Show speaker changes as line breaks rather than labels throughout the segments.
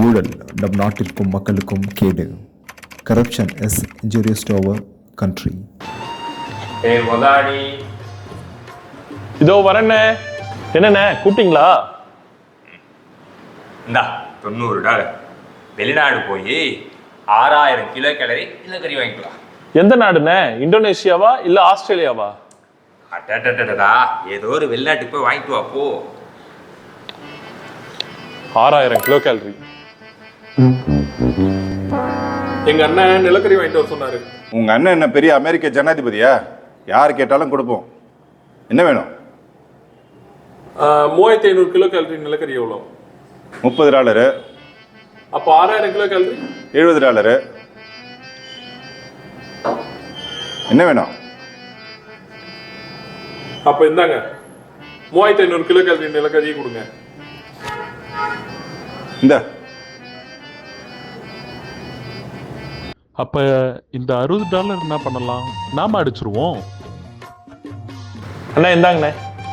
ஊழல் நம் நாட்டிற்கும் மக்களுக்கும் கேடு. Corruption is injurious to our country.
முதலாளி
இதோ வரண்ணே. என்னண்ணே கூப்பிட்டீங்களா?
இந்தா $90. வெளிநாடு போய் 6000 கிலோ கேலரி நிலக்கரி வாங்கிக்கலாம்.
எந்த நாடுண்ணே? இந்தோனேஷியாவா இல்ல ஆஸ்திரேலியாவா?
அட்டா ஏதோ ஒரு வெளிநாட்டுக்கு போய் வாங்கிட்டு வா போ.
6000 கிலோ கேலரி. எங்க அண்ணன் நிலக்கரி வாங்கிட்டு வர சொன்னாரு.
உங்க அண்ணன் என்ன பெரிய அமெரிக்க ஜனாதிபதியா? யார் கேட்டாலும் கொடுப்போம். என்ன வேணும்?
3500 கிலோ கேலரி நிலக்கரி எவ்வளோ?
$30.
அப்போ 6000 கிலோ கேலரி
$70. என்ன வேணும்?
அப்ப இந்தாங்க 3500 கிலோ கேலரி நிலக்கரியை கொடுங்க.
இந்த
அப்ப இந்த $60 என்ன பண்ணலாம்? நாம அடிச்சிருவோம்.
அண்ணா இந்தாங்கண்ணே.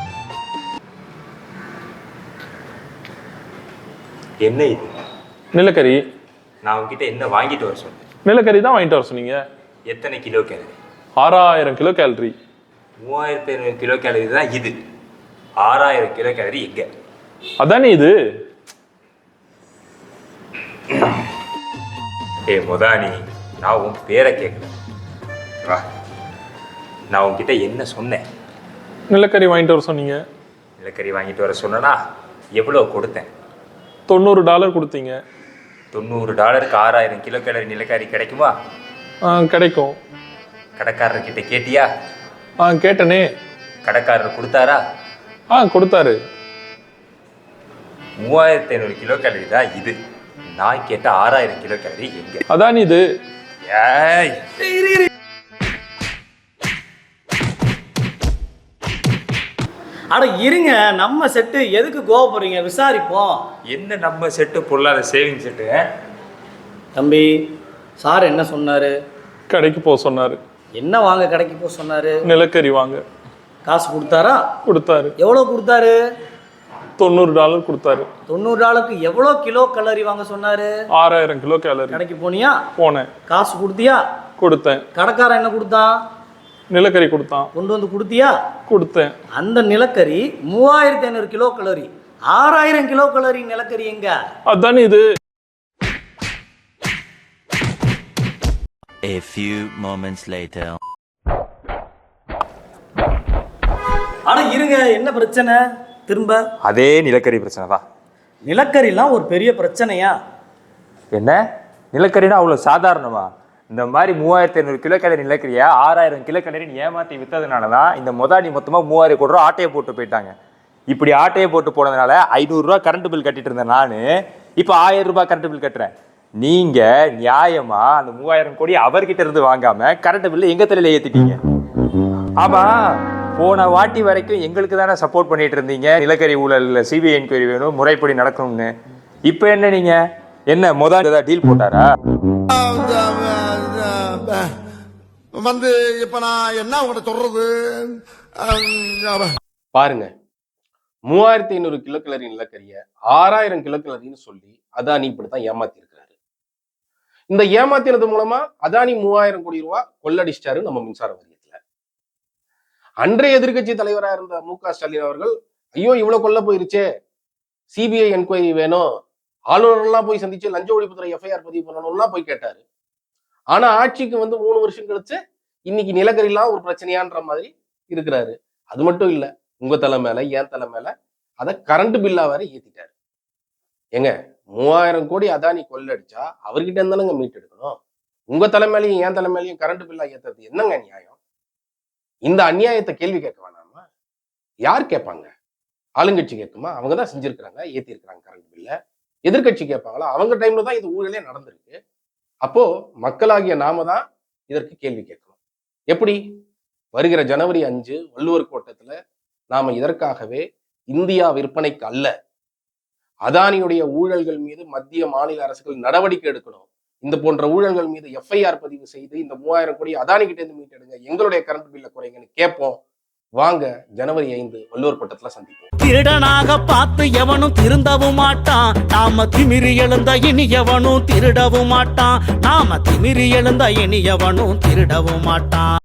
என்ன இது?
நிலக்கரி.
நான் உங்ககிட்ட என்ன வாங்கிட்டு வர சொன்னேன்?
நிலக்கரி தான் வாங்கிட்டு வர சொன்னீங்க.
எத்தனை kilo calorie?
6000 kilo calorie.
3500 kilo calorie தான் இது. 6000 கிலோ கேலரி எங்க?
அதானே இது.
முதலாளி, நான் உன் பேரை கேட்கல. வா, நான் உன்கிட்ட என்ன சொன்னேன்?
நிலக்கரி வாங்கிட்டு வர சொன்னீங்க.
நிலக்கரி வாங்கிட்டு வர சொன்னா எவ்வளோ கொடுத்தேன்?
$90 கொடுத்தீங்க.
$90க்கு 6000 கிலோ கேலரி நிலக்கரி கிடைக்குமா?
கிடைக்கும்.
கடைக்காரர்கிட்ட கேட்டியா?
கேட்டனே.
கடைக்காரர் கொடுத்தாரா?
கொடுத்தாரு.
3500 கிலோ கேலரி தான் இது. நான் கேட்ட 6000 கிலோ கேலரி எங்க?
அதான் இது.
ஏய்,
அட இருங்க, நம்ம செட்டு எதுக்கு கோவப்படுறீங்க? விசாரிப்போம்.
என்ன நம்ம செட்டு பொல்லாத சேவிங் செட்டு?
தம்பி, சார் என்ன சொன்னாரு?
கடைக்கு போக சொன்னாரு.
என்ன வாங்க கடைக்கு போக சொன்னாரு?
நிலக்கரி வாங்க.
காசு கொடுத்தாரா?
கொடுத்தாரு.
எவ்வளோ கொடுத்தாரு?
$90 கொடுத்தாரு.
$90க்கு எவ்வளோ கிலோ கலரி வாங்க சொன்னாரு?
6000 கிலோ கேலரி.
கடைக்கு போனியா?
போனேன்.
காசு கொடுத்தியா?
கொடுத்தேன்.
கடைக்காரன் என்ன கொடுத்தான்?
நிலக்கரி கொடுத்தான்.
கொண்டு வந்து கொடுத்தியா?
கொடுத்தேன்.
அந்த நிலக்கரி 3500 கிலோ கலரி. 6000 கிலோ கலரி நிலக்கரி எங்க?
அதானே இது.
A few moments later.
அட இருங்க, என்ன பிரச்சனை திரும்ப?
அதே நிலக்கரி பிரச்சனை தான்.
நிலக்கரிலாம் ஒரு பெரிய பிரச்சனையா?
என்ன நிலக்கரினா அவ்வளோ சாதாரணமா? இந்த மாதிரி 3500 கிலோ கேலரி நிலக்கரியை 6000 கிலோ கேலரி ஏமாற்றி விற்றதுனால தான் இந்த முதலாளி மொத்தமாக 3000 கோடி ரூபா ஆட்டையை போட்டு போயிட்டாங்க. இப்படி ஆட்டையை போட்டு போனதுனால 500 ரூபா கரண்ட் பில் கட்டிட்டு இருந்தேன் நான். இப்போ 1000 ரூபாய் கரண்ட் பில் கட்டுறேன். நீங்கள் நியாயமாக அந்த 3000 கோடி அவர்கிட்ட இருந்து வாங்காமல் கரண்ட் பில்லு எங்கள் தலையில் ஏற்றிட்டீங்க. ஆமாம், போன வாட்டி வரைக்கும் எங்களுக்கு தானே சப்போர்ட் பண்ணிட்டு இருந்தீங்க. நிலக்கரி ஊழலில் சிபிஐ என்கொயரி வேணும், முறைப்படி நடக்கணும்னு. இப்போ என்ன நீங்கள் என்ன முதல்ல டீல் போட்டாரா?
வந்து இப்ப நான் என்ன உங்கள்கிட்ட சொல்றது?
பாருங்க, 3500 கிலோ கலரி நிலக்கரிய 6000 கிலோ கலரின்னு சொல்லி அதானி இப்படித்தான் ஏமாத்தி இருக்கிறாரு. இந்த ஏமாத்தினது மூலமா அதானி 3000 கோடி ரூபாய் கொள்ளடிச்சிட்டாரு நம்ம மின்சார வாரியத்துல. அன்றைய எதிர்கட்சி தலைவராக இருந்த மு.க. ஸ்டாலின் அவர்கள், ஐயோ இவ்வளவு கொள்ள போயிருச்சே, சிபிஐ என்கொயரி வேணும், ஆளுநர்லாம் போய் சந்திச்சு லஞ்ச ஒழிப்புத்துறை எஃப்ஐஆர் பதிவு பண்ணணும்லாம் போய் கேட்டாரு. ஆனா ஆட்சிக்கு வந்து 3 வருஷம் கழிச்சு இன்னைக்கு நிலக்கரிலாம் ஒரு பிரச்சனையான்ற மாதிரி இருக்கிறாரு. அது மட்டும் இல்ல, உங்க தலை மேல என் தலை மேல அதை கரண்ட் பில்லா வேற ஏத்திட்டாரு. ஏங்க, 3000 கோடி அதானி கொள்ளடிச்சா அவர்கிட்ட இருந்தானுங்க மீட் எடுக்கணும். உங்க தலைமையிலையும் என் தலைமையிலையும் கரண்ட் பில்லா ஏத்துறது என்னங்க நியாயம்? இந்த அநியாயத்தை கேள்வி கேட்க வேணாமா? யார் கேட்பாங்க? ஆளுங்கட்சி கேட்குமா? அவங்கதான் செஞ்சிருக்கிறாங்க, ஏத்தி இருக்கிறாங்க கரண்ட் பில்ல. எதிர்கட்சி கேட்பாங்களா? அவங்க டைம்ல தான் இது ஊழலே நடந்திருக்கு. அப்போ மக்களாகிய நாம தான் இதற்கு கேள்வி கேட்கணும். எப்படி? வருகிற ஜனவரி 5 வள்ளுவர் கோட்டத்துல நாம இதற்காகவே இந்தியா விற்பனைக்கு அல்ல, அதானியுடைய ஊழல்கள் மீது மத்திய மாநில அரசுகள் நடவடிக்கை எடுக்கணும், இந்த போன்ற ஊழல்கள் மீது எஃப்ஐஆர் பதிவு செய்து இந்த 3000 கோடி அதானி கிட்ட இருந்து மீட்டெடுங்க, எங்களுடைய கரண்ட் பில்ல குறைங்கன்னு கேட்போம். வாங்க ஜனவரி 5 வள்ளுவர் பட்டத்துல சந்திப்போம்.
திருடனாக பார்த்து எவனும் திருந்தவும் மாட்டான். நாம திமிரி எழுந்த இனி எவனும் திருடவும் மாட்டான். நாம திமிரி எழுந்த இனி எவனும் திருடவும் மாட்டான்.